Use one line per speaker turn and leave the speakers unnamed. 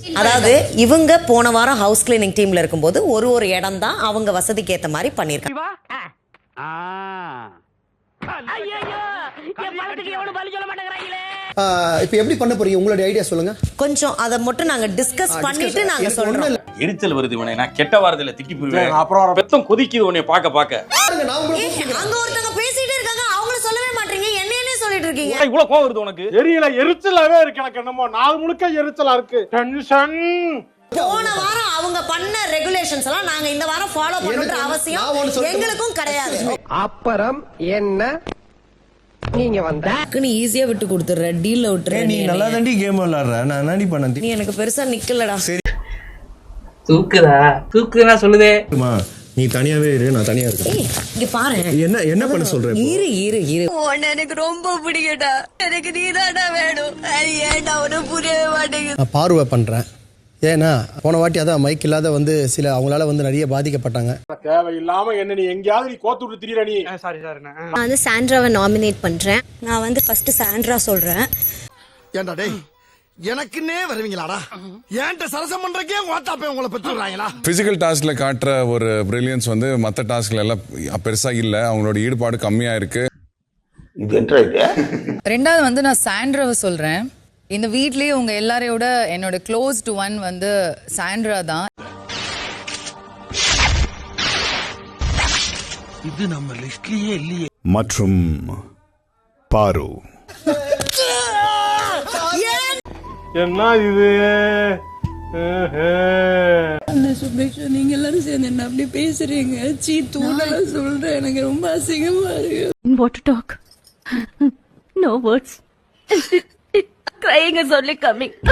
அதாவது இவங்க போன வாரம் ஹவுஸ் கிளீனிங் டீம்ல இருக்கும்போது ஒரு இடம் தான் அவங்க வசதிக்கு ஏத்த மாதிரி பண்ணிருக்காங்க.
இப்போ எப்படி பண்ண போறீங்க, உங்களுடைய ஐடியா சொல்லுங்க.
கொஞ்சம் அதை மட்டும் நாங்க டிஸ்கஸ் பண்ணிட்டு நாங்க சொல்றோம்.
எரிச்சல் வருது உடனே, நான் கெட்ட வாரத்துல திட்டி போடுவேன். அப்புறம் பெத்தம் கொதிக்குது உடனே பாக்க
அங்க ஒருத்தங்க பேசிட்டே இருக்காங்க, அவங்கள சொல்லவே மாட்டீங்க, என்னையே சொல்லிட்டு இருக்கீங்க.
இவ்வளவு கோவம் வருது உனக்கு?
தெரியல, எரிச்சலாவே இருக்கு எனக்கு. என்னமோ நாள் முழுக்க எரிச்சலா இருக்கு. டென்ஷன்.
போன வாரம் அவங்க பண்ண ரெகுலேஷன்ஸ் எல்லாம் நாங்க இந்த வாரம் ஃபாலோ பண்ணணும்ன்ற அவசியம் எங்களுக்கும் கிடையாது.
அப்புறம் என்ன நீங்க வந்தா
நீ ஈஸியா விட்டு கொடுத்துற, டீல்ல விட்டுற.
நீ நல்லா தாண்டி கேம் விளையாடுற, நான் என்னடி பண்ண?
நீ எனக்கு பெருசா நிக்கலடா.
தூக்குதா சொல்லுதே.
நீ தனியாவே இரு, நான் தனியா இருக்கேன்.
இங்க பாரு,
என்ன பண்ண சொல்ற?
இரு
உன்னை எனக்கு ரொம்ப பிடிக்கடா, எனக்கு நீதாடா வேணும். ஏன்டா உனக்கு புரியவே மாட்டேங்குது.
நான் பார்வை பண்றேன். ஏன்னா போன வாட்டி அதான் மைக் இல்லாத வந்து சில அவங்களால வந்து நிறைய பாதிக்கப்பட்டாங்க.
தேவையில்லாம என்ன நீ எங்கேயாவது நீ கோத்து விட்டு திரியற நீ.
சாரி
நான் வந்து சாண்ட்ராவை நாமினேட் பண்றேன். நான் வந்து ஃபர்ஸ்ட் சாண்ட்ரா சொல்றேன்.
ஏன்டா டேய், எனக்குன்னே வருவீங்களாடா? ஏன்ட்ட சரசம் பண்றக்கே வாட்டாப்பே உங்களை பெற்றுறாங்களா?
பிசிக்கல் டாஸ்க்ல காட்டுற ஒரு பிரில்லியன்ஸ் வந்து மற்ற டாஸ்க்ல எல்லாம் பெருசா இல்ல, அவங்களோட ஈடுபாடு கம்மியா இருக்கு.
ரெண்டாவது வந்து நான் சாண்ட்ராவை சொல்றேன். இந்த வீட்லயே உங்க எல்லாரையோட என்னோட க்ளோஸ்ட் ஒன் வந்து சாண்ட்ரா தான்.
இது நம்ம லிஸ்ட்லயே இல்லையே.
மற்றும் பாரு.
என்ன இது?
நீங்க எல்லாரும் சேர்ந்து என்ன அப்படி பேசுறீங்க? சீ தூணெல்லாம் சொல்றேன், எனக்கு ரொம்ப அசிங்கமா இருக்கு. What to talk? No words. Crying is only coming.